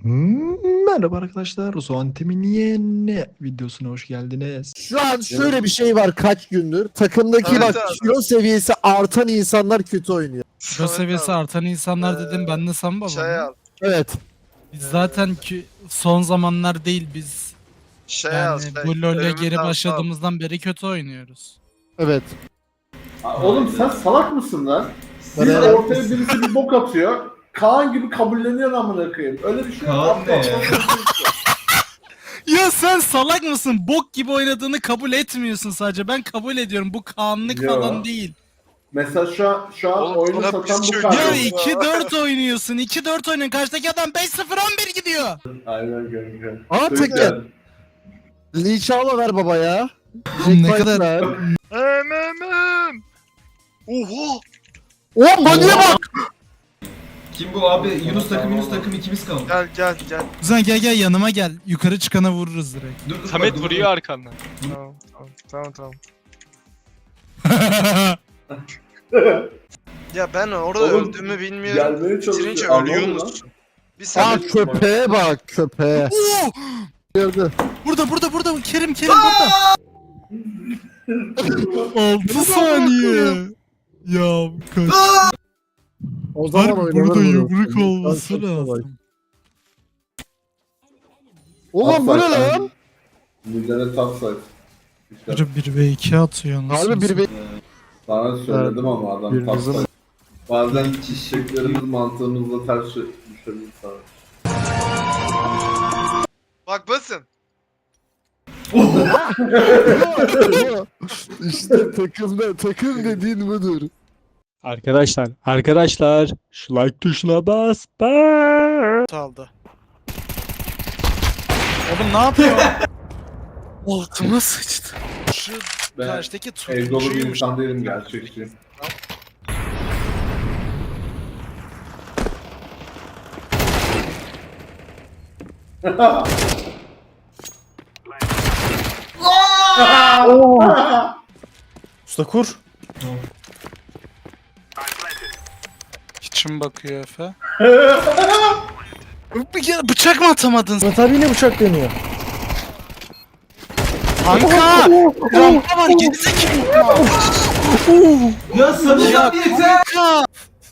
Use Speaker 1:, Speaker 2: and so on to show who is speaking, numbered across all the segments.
Speaker 1: Merhaba arkadaşlar. Zoantem'in yeni videosuna hoş geldiniz.
Speaker 2: Şu an şöyle bir şey var kaç gündür. Takımdaki
Speaker 3: Evet
Speaker 2: bak
Speaker 3: abi.
Speaker 2: kilo seviyesi artan insanlar kötü oynuyor.
Speaker 4: Kilo seviyesi artan insanlar dedim ben de Samba
Speaker 3: Şey
Speaker 4: baba.
Speaker 3: al.
Speaker 2: Evet.
Speaker 4: Biz zaten ki son zamanlar değil biz
Speaker 3: Şey al.
Speaker 4: yani
Speaker 3: Şey.
Speaker 4: bu LoL'e
Speaker 3: Ölümünden
Speaker 4: geri
Speaker 3: sağ.
Speaker 4: başladığımızdan beri kötü oynuyoruz.
Speaker 2: Evet.
Speaker 5: Oğlum sen salak mısın lan?
Speaker 2: Ben
Speaker 5: Bir
Speaker 2: evet.
Speaker 5: ortaya birisi bir bok atıyor. Kaan gibi kabulleniyor amına koyayım. Öyle bir şey yok.
Speaker 6: Kaan ne ya?
Speaker 4: Ya sen salak mısın? Bok gibi oynadığını kabul etmiyorsun sadece. Ben kabul ediyorum. Bu kanlık
Speaker 5: Yo.
Speaker 4: falan değil.
Speaker 5: Mesela şu an
Speaker 3: Oğlum,
Speaker 5: oyunu
Speaker 3: bana
Speaker 5: satan
Speaker 3: bir
Speaker 5: bu
Speaker 3: şey
Speaker 5: Kaan.
Speaker 4: Ya
Speaker 3: yok.
Speaker 4: 2-4 oynuyorsun. 2-4 oynuyorsun. Karşıdaki adam 5-0-11 gidiyor.
Speaker 5: Aynen kanka.
Speaker 2: Aa
Speaker 5: Çok
Speaker 2: tek
Speaker 5: güzel.
Speaker 2: gel. Liçağla ver baba ya.
Speaker 4: Oğlum ne
Speaker 2: Jack
Speaker 4: kadar-
Speaker 2: White ver.
Speaker 3: Oha.
Speaker 2: Oğlum Baniye bak.
Speaker 6: Kim bu abi? Yunus takım ikimiz kaldı.
Speaker 3: Gel.
Speaker 4: Kuzen gel yanıma gel. Yukarı çıkana vururuz direkt.
Speaker 6: Dur,
Speaker 7: Samet
Speaker 6: bak, dur,
Speaker 7: vuruyor arkandan.
Speaker 3: Tamam. Ya ben orada
Speaker 5: Oğlum,
Speaker 3: öldüğümü bilmiyorum.
Speaker 5: Gelmeye
Speaker 3: Bitirince
Speaker 5: çalışıyor.
Speaker 3: ölüyor
Speaker 5: Anladın mı?
Speaker 3: musun? Bir
Speaker 2: Aa
Speaker 3: Samet
Speaker 2: köpeğe bak köpeğe.
Speaker 4: Oo!
Speaker 2: Gördü.
Speaker 4: Burada. Kerim burada. 6 saniye. Ya kaç.
Speaker 2: O zaman
Speaker 4: Harbi
Speaker 2: oynanır
Speaker 4: burada
Speaker 2: bunu.
Speaker 4: yumruk
Speaker 2: Ben
Speaker 4: olması
Speaker 2: çok kolay.
Speaker 4: lazım.
Speaker 2: Oğlum bu ne
Speaker 5: Upside
Speaker 2: lan?
Speaker 5: Midene topside. İşte
Speaker 4: Biri 1v2 atıyor nasıl?
Speaker 2: Harbi bir
Speaker 5: sana söyledim ama adam
Speaker 2: Bir
Speaker 5: topside.
Speaker 2: bizim-
Speaker 5: Bazen çiçeklerimiz mantığımızla ters düşebilir sana.
Speaker 3: Bak basın.
Speaker 2: İşte takım dediğin budur.
Speaker 1: Arkadaşlar şu like tuşuna bas.
Speaker 4: aldı. Oğlum ne yapıyor? Altıma sıçtı. Şu
Speaker 5: Ben
Speaker 4: karşıdaki
Speaker 5: Evde dolu bir
Speaker 4: tutucuymuş.
Speaker 5: insan değilim gerçekçi.
Speaker 1: Usta kur.
Speaker 4: İçim bakıyor Efe. Bir kere bıçak mı atamadın?
Speaker 2: Tabii yine bıçak deniyor.
Speaker 4: Kanka! Rampa var gerizekalı.
Speaker 6: Ya Samet abi yeter.
Speaker 4: Kanka!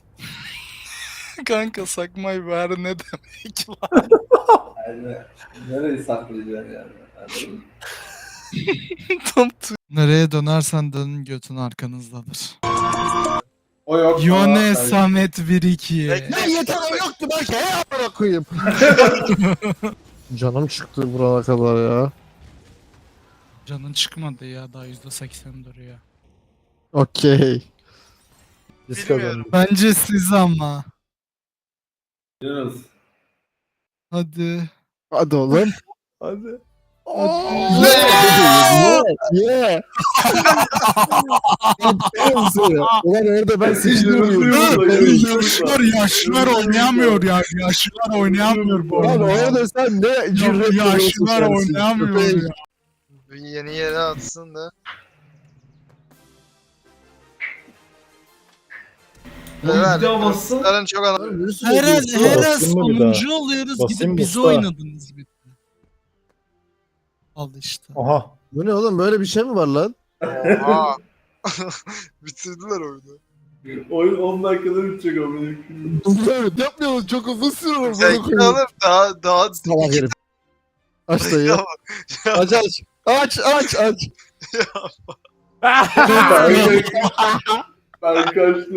Speaker 4: Kanka sakmayı ver ne demek lan?
Speaker 5: Yani, nereyi saklayacaksın yani? Anladın mı?
Speaker 4: Nereye dönersen dönün götün arkanızdadır.
Speaker 5: O yok.
Speaker 4: Yone
Speaker 5: Aa,
Speaker 4: Samet 1-2.
Speaker 3: Bekle.
Speaker 2: Ya yeter o yoktu belki he amına koyayım. Canım çıktı buraya kadar ya.
Speaker 4: Canın çıkmadı ya daha %80 duruyor.
Speaker 2: Okey.
Speaker 3: Bilmiyorum.
Speaker 4: Bence siz ama.
Speaker 5: Yunus.
Speaker 4: Hadi.
Speaker 2: Hadi oğlum.
Speaker 5: Hadi.
Speaker 2: Yeah. Ulan orada ben sıçrıyorum.
Speaker 4: Yaşlılar oynayamıyor ya. Yaşlılar oynayamıyor bu
Speaker 2: Lan
Speaker 4: oyunu.
Speaker 2: orada sen ne cüret
Speaker 4: Yaşlılar oynayamıyor ya.
Speaker 3: Bir yeni yere atsın da.
Speaker 6: Oğlum bir daha bassın.
Speaker 3: Sarın çok anlamıyor.
Speaker 4: Her
Speaker 1: Basayım mı bir daha?
Speaker 4: sonuncu oluyoruz
Speaker 1: Basayım
Speaker 4: gidip
Speaker 1: mı
Speaker 4: bizi
Speaker 1: usta?
Speaker 4: oynadınız bir de. Al işte.
Speaker 1: Aha.
Speaker 2: Bu ne oğlum böyle bir şey mi var lan?
Speaker 3: Oha. Bitirdiler oyunu.
Speaker 5: Oyun 10 dakikada bitecek amına koyayım.
Speaker 2: Yapmıyoruz çok uzun sürüyor.
Speaker 3: Zevkli alır daha
Speaker 2: Salak herif. Aç dayı. Aç.
Speaker 5: Ben kaçtım.